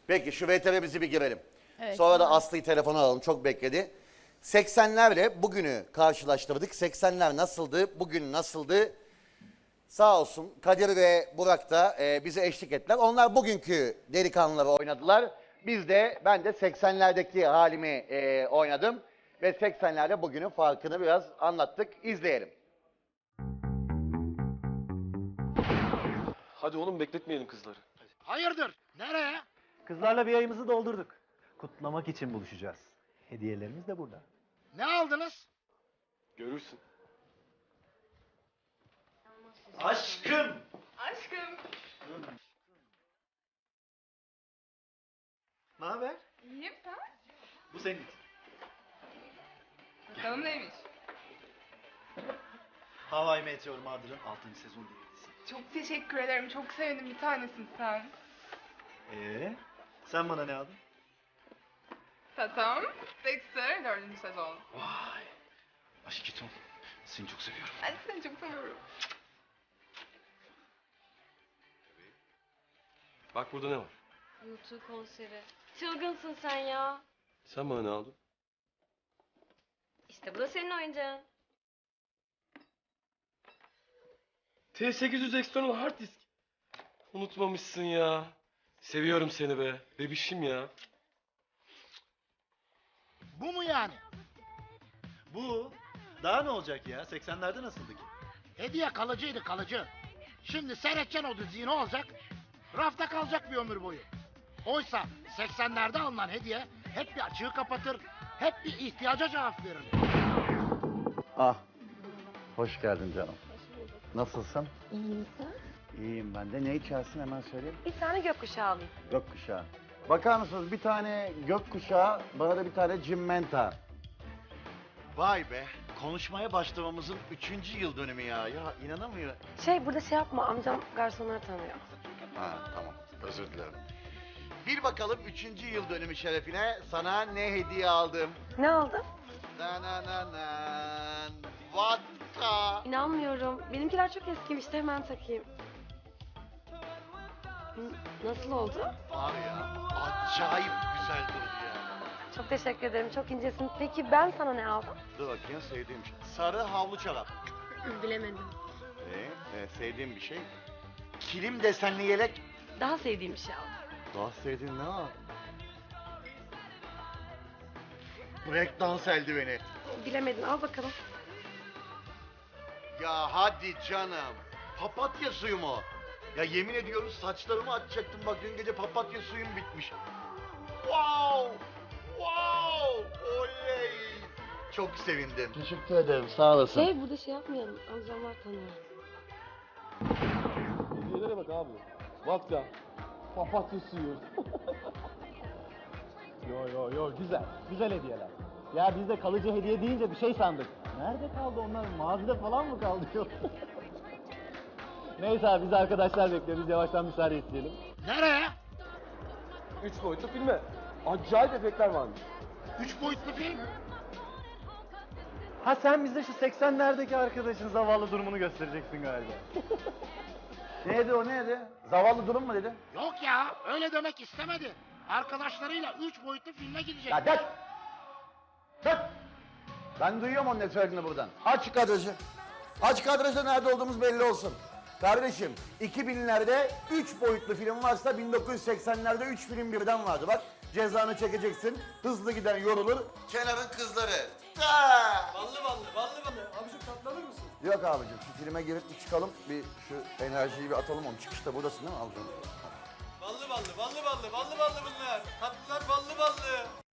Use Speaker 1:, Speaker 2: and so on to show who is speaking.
Speaker 1: Peki şu VTR'mizi bir girelim.
Speaker 2: Evet,
Speaker 1: Sonra da Aslı'yı telefona alalım. Çok bekledi. 80'lerle bugünü karşılaştırdık. 80'ler nasıldı, bugün nasıldı? Sağ olsun Kadir ve Burak da bize eşlik ettiler. Onlar bugünkü delikanlıları oynadılar. Ben de 80'lerdeki halimi oynadım. Ve 80'lerde bugünün farkını biraz anlattık. İzleyelim.
Speaker 3: Hadi oğlum bekletmeyelim kızları.
Speaker 4: Hayırdır? Nereye?
Speaker 5: Kızlarla bir ayımızı doldurduk. Kutlamak için buluşacağız. Hediyelerimiz de burada.
Speaker 4: Ne aldınız?
Speaker 3: Görürsün.
Speaker 5: Aşkım!
Speaker 2: Aşkım.
Speaker 5: Ne haber?
Speaker 2: İyiyim sen?
Speaker 5: Bu senin için.
Speaker 2: Bakalım neymiş?
Speaker 5: Hawaii Meteor Mother'ın 6. sezon DVD'si.
Speaker 2: Çok teşekkür ederim. Çok sevindim. Bir tanesin sen.
Speaker 5: Sen bana ne aldın?
Speaker 2: Tatam. Dexter 4. sezon.
Speaker 5: Vay! Aşkitom, seni çok seviyorum.
Speaker 2: Ben seni çok seviyorum.
Speaker 3: Bak burada ne var?
Speaker 6: YouTube konseri. Çılgınsın sen ya.
Speaker 3: Sen bana ne aldın?
Speaker 6: İşte bu da senin oyuncağın.
Speaker 3: T800 external hard disk. Unutmamışsın ya. Seviyorum seni be. Bebişim ya.
Speaker 4: Bu mu yani?
Speaker 5: Bu? Daha ne olacak ya? 80'lerde nasıldı ki?
Speaker 4: Hediye kalıcıydı kalıcı. Şimdi seyredeceksin o diziyi ne olacak? Rafta kalacak bir ömür boyu. Oysa 80'lerde alınan hediye hep bir açığı kapatır, hep bir ihtiyaca cevap verir.
Speaker 1: Ah, hoş geldin canım. Nasılsın?
Speaker 6: İyiyim sen?
Speaker 1: İyiyim ben de. Ne içersin hemen söyleyeyim.
Speaker 6: Bir tane gökkuşağı alayım.
Speaker 1: Gökkuşağı. Bakar mısınız bir tane gökkuşağı, bana da bir tane cimmenta. Vay be, konuşmaya başlamamızın 3. yıl dönümü ya. Ya inanamıyorum.
Speaker 6: Burada yapma, amcam garsonları tanıyor.
Speaker 1: Ha tamam, özür dilerim. Bir bakalım 3. yıl dönümü şerefine sana ne hediye aldım.
Speaker 6: Ne aldın?
Speaker 1: Danananan, vodka.
Speaker 6: İnanmıyorum. Benimkiler çok eskimişti, hemen takayım. Nasıl oldu?
Speaker 1: Var ya, acayip güzel durdu ya.
Speaker 6: Çok teşekkür ederim, çok incesin. Peki ben sana ne aldım?
Speaker 1: Dur bakayım sevdiğim şey. Sarı havlu çorap.
Speaker 6: Bilemedim.
Speaker 1: Sevdiğim bir şey. Kilim desenli yelek.
Speaker 6: Daha sevdiğim bir şey aldım.
Speaker 1: Daha sevdiğin ne var? Breakdance eldiveni.
Speaker 6: Bilemedin, al bakalım.
Speaker 1: Ya hadi canım. Papatya suyu mu? Ya yemin ediyorum saçlarımı atacaktım. Bak dün gece papatya suyum bitmiş. Wow! Wow! Oley! Çok sevindim. Teşekkür ederim. Sağ olasın.
Speaker 6: Burada yapmayalım. Amcamlar tanıyor.
Speaker 3: Hediyelere bak abi. Vodka. Papatya suyu.
Speaker 5: Yo güzel. Güzel hediyeler. Ya biz de kalıcı hediye deyince bir şey sandık. Nerede kaldı onlar? Mağazada falan mı kaldı? Neyse abi biz arkadaşlar bekliyoruz. Biz yavaştan müsaade isteyelim.
Speaker 4: Nereye?
Speaker 3: 3 boyutlu filme. Acayip efektler varmış.
Speaker 4: 3 boyutlu film.
Speaker 5: Ha sen bize şu 80'lerdeki arkadaşın zavallı durumunu göstereceksin galiba.
Speaker 1: Neydi o neydi? Zavallı durum mu dedi?
Speaker 4: Yok ya, öyle demek istemedi. Arkadaşlarıyla 3 boyutlu filme gidecek.
Speaker 1: Ya gel! Dur! Ben duyuyorum onun ne söylediğini buradan. Aç kadrajı. Aç kadrajda nerede olduğumuz belli olsun. Kardeşim 2000'lerde 3 boyutlu film varsa 1980'lerde 3 film birden vardı. Bak cezanı çekeceksin. Hızlı giden yorulur. Kenarın kızları.
Speaker 7: Ballı. Abicim katlanır mısın?
Speaker 1: Yok abicim şu filme girip bir çıkalım. Bir şu enerjiyi bir atalım onu. Çıkışta buradasın değil mi abicim?
Speaker 7: Ballı bunlar. Tatlılar ballı.